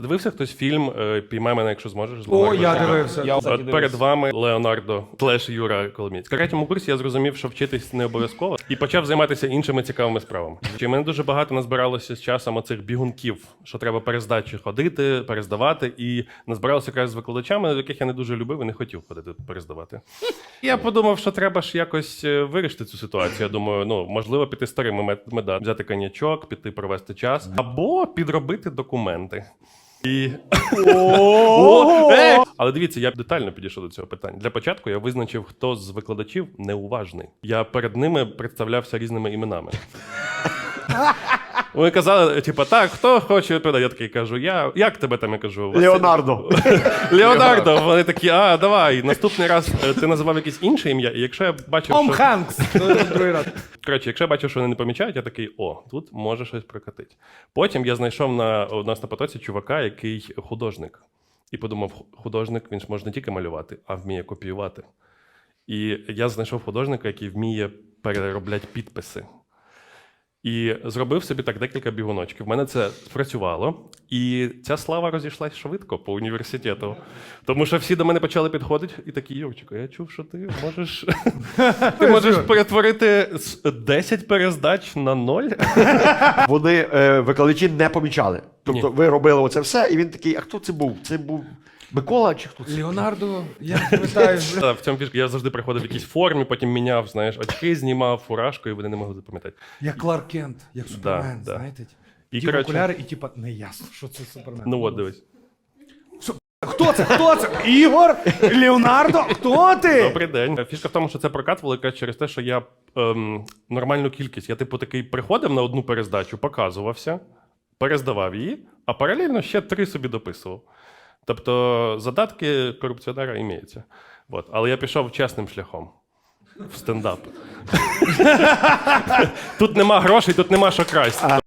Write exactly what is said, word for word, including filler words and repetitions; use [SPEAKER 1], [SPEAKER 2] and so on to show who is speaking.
[SPEAKER 1] Дивився хтось фільм «Піймай мене, якщо зможеш».
[SPEAKER 2] О, я дивився.
[SPEAKER 3] Я, кстати,
[SPEAKER 1] От перед вами Леонардо слеш Юра Коломієць. В третьому курсі я зрозумів, що вчитись не обов'язково, і почав займатися іншими цікавими справами. Чи мене дуже багато назбиралося з часом оцих бігунків, що треба перездачі ходити, перездавати, і назбиралося якраз з викладачами, яких я не дуже любив і не хотів ходити перездавати. Я подумав, що треба ж якось вирішити цю ситуацію. Я думаю, ну, можливо, піти старими методами, взяти коньячок, піти провести час, або підробити документи. І... О, е! Але дивіться, я детально підійшов до цього питання. Для початку я визначив, хто з викладачів неуважний. Я перед ними представлявся різними іменами. Вони казали, типу, так, хто хоче відповідати? Я такий кажу, я, як тебе там, я кажу? Василь?
[SPEAKER 3] Леонардо.
[SPEAKER 1] Леонардо. Вони такі, а, давай, наступний раз ти називав якесь інше ім'я, і якщо я бачив,
[SPEAKER 2] Том
[SPEAKER 1] що...
[SPEAKER 2] Хенкс. Другий раз.
[SPEAKER 1] Коротше, якщо я бачив, що вони не помічають, я такий, о, тут може щось прокатити. Потім я знайшов на, у нас на потоці чувака, який художник. І подумав, художник, він ж може не тільки малювати, а вміє копіювати. І я знайшов художника, який вміє переробляти підписи. І зробив собі так декілька бігуночків. В мене це спрацювало. І ця слава розійшлась швидко по університету. Тому що всі до мене почали підходити і такі, Юрчику, я чув, що ти можеш ти можеш перетворити десять перездач на ноль.
[SPEAKER 3] Вони, е, викладачі, не помічали. Тобто
[SPEAKER 1] Ні.
[SPEAKER 3] ви робили оце все, і він такий, а хто це був? Це був Микола чи хто це?
[SPEAKER 2] Леонардо, я пам'ятаю.
[SPEAKER 1] Та, в цьому фішка. Я завжди приходив в якійсь формі, потім міняв, знаєш, очки знімав, фуражку, і вони не могли запам'ятати.
[SPEAKER 2] Як Кларк Кент, як Супермен,
[SPEAKER 1] да.
[SPEAKER 2] знаєте?
[SPEAKER 1] І,
[SPEAKER 2] Ті
[SPEAKER 1] коротше,
[SPEAKER 2] окуляри, і типа, не ясно, що це Супермен.
[SPEAKER 1] ну от, дивись.
[SPEAKER 2] Хто це? Хто це? Ігор? Леонардо? Хто ти?
[SPEAKER 1] Добрий день. Фішка в тому, що це прокатувало якраз через те, що я ем, нормальну кількість. Я, типу, такий приходив на одну перездачу, показувався, перездавав її, а паралельно ще три собі дописував. Тобто задатки корупціонера імеються. От. Але я пішов чесним шляхом. В стендап. Тут нема грошей, тут нема що красть.